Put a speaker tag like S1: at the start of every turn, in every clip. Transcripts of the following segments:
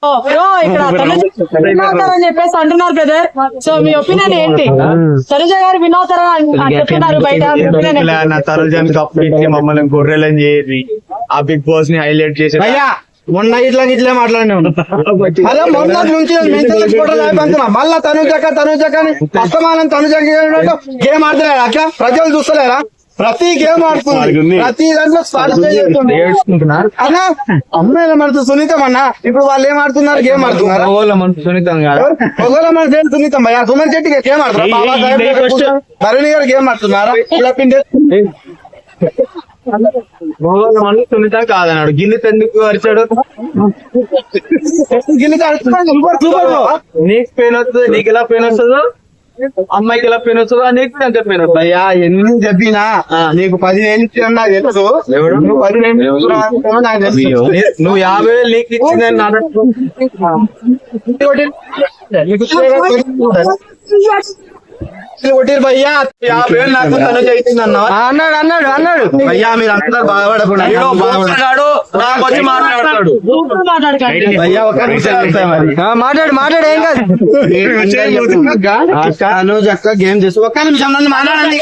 S1: ఇక్కడ అని చెప్పేసి అంటున్నారు బ్రదర్. సో మీ ఒపీనియన్ ఏంటి? తనుజ గారు వినోదరా అని చెప్తున్నారు బయట.
S2: తనుజని కప్పు ఇచ్చి మమ్మల్ని గొర్రెలని చేసి ఆ బిగ్ బాస్ ని హైలైట్ చేసి
S3: మొన్న ఇట్లా మాట్లాడినా అదే మొన్న నుంచి మళ్ళా తనుజక అస్తమానం తనుజక గేమ్ ఆడతలేరా? అట్లా ప్రజలు చూస్తలేరా? ప్రతి గేమ్ ఆడుతుంది, ప్రతి దాంట్లో అన్నా అమ్మాయిల మనసు సునీతం అన్న. ఇప్పుడు వాళ్ళు ఏం ఆడుతున్నారు? గేమ్ ఆడుతున్నారు.
S2: సునీతం
S3: ఒకవేళ మనసు ఏం సునీతం భయ్యా? సుమన్ శెట్టి గేమ్ ఆడుతున్నారు, తరుణి గారు గేమ్ ఆడుతున్నారా?
S2: సునీతం కాదన్నాడు. గిన్నె ఎందుకు అరిచాడు? నీకు పెయిన్ వస్తుంది, నీకు ఎలా పెయిన్ వస్తుందో అమ్మాయికి ఎలా పెయిన్ వస్తుందో నీకు అంతే పెయిన్ వస్తుంది.
S3: అయ్యా ఎన్ని చెప్పినా నీకు 10,000 ఇచ్చిన నాకు తెలుసు. నువ్వు 10,000 నాకు తెలుసు.
S2: నువ్వు 50,000 నీకు ఇచ్చిందని
S3: కొట్టిరు భయ్యా.
S2: 50,000 నాకు తనుజ ఇచ్చింది
S3: అన్నాడు భయ్యా. మీరు అందరూ బాధపడకుండా
S2: నాకు వచ్చి మాట్లాడతాడు.
S3: భయ్యా ఒక మాట్లాడు ఏం కాదు. తనుజ అక్క గేమ్ చేసి ఒక్క నిమిషం నన్ను మాట్లాడండి.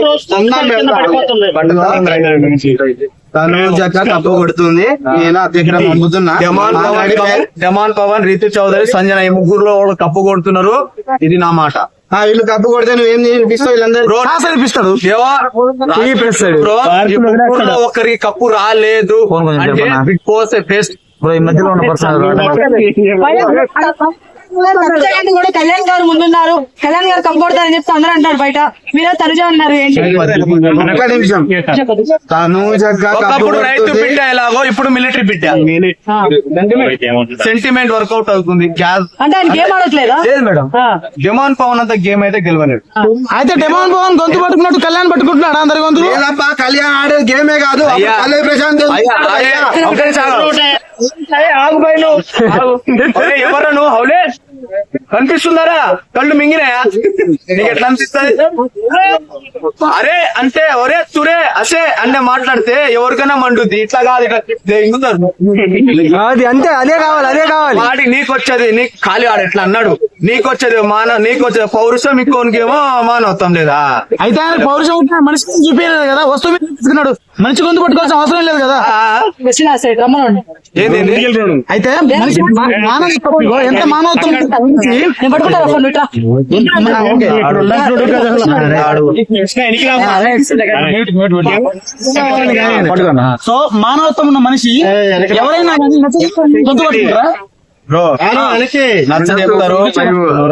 S3: తనుజ అక్క తప్పు కొడుతుంది. నేను దగ్గర పంపుతున్నా.
S2: డెమాన్ పవన్, రితు చౌదరి, సంజన ఈ ముగ్గురులో కప్పు కొడుతున్నారు. ఇది నా మాట.
S3: వీళ్ళు కప్పు కొడితే నువ్వేం వినిపిస్తావు? వీళ్ళందరూ
S2: అనిపిస్తాడు. ఒకరికి కప్పు రాలేదు అంటే బిగ్ బాస్ ఫేస్ ఈ మధ్యలో ఉన్న
S1: కూడా కళ్యాణ్ గారు ముందున్నారు. కళ్యాణ్ గారు కప్పొడతారని చెప్పి అందరూ అంటారు బయట. మీరే తనుజ అన్నారు ఏంటి?
S3: ఒక్క నిమిషం. తనుజ
S2: ఒకప్పుడు రైతు బిడ్డ ఎలాగో ఇప్పుడు మిలిటరీ బిడ్డ. సెంటిమెంట్ వర్కౌట్ అవుతుంది.
S1: అంటే ఆయన గేమ్ ఆడట్లేదా?
S2: లేదు మేడం. డెమాన్ పవన్ అంత గేమ్ అయితే గెలవలేదు.
S3: అయితే డెమాన్ పవన్ గొంతు పట్టుకున్నట్టు కళ్యాణ్ పట్టుకుంటున్నాడు అందరి గొంతు. కళ్యాణ్ ఆడేది గేమే కాదు. ప్రశాంత్
S2: ఎవరా నువ్వు? హౌలే కనిపిస్తున్నారా? కళ్ళు మింగినాయా? నీకు ఎట్లా అనిపిస్తుంది? అరే అంటే ఒరే తురే అసే అంటే మాట్లాడితే ఎవరికైనా మండుద్ది. ఇట్లా కాదు,
S3: అది అంతే. అదే కావాలి
S2: వాడి నీకు వచ్చేది నీకు ఖాళీ ఆడు ఎట్లా అన్నాడు. నీకు వచ్చేది నీకు వచ్చేది పౌరుషం, ఇంకోనికేమో మానవత్వం లేదా?
S3: అయితే ఆయన పౌరుషం ఉంటే మనిషి చూపించలేదు కదా. వస్తువు తీసుకున్నాడు. మనిషి గొంతు పట్టుకోవాల్సిన అవసరం లేదు కదా. అయితే ఎంత మానవత్వం సో మానవత్వం ఉన్న మనిషి ఎవరైనా గొంతు పట్టుకుంటారా?
S2: నచ్చ చెప్తారు.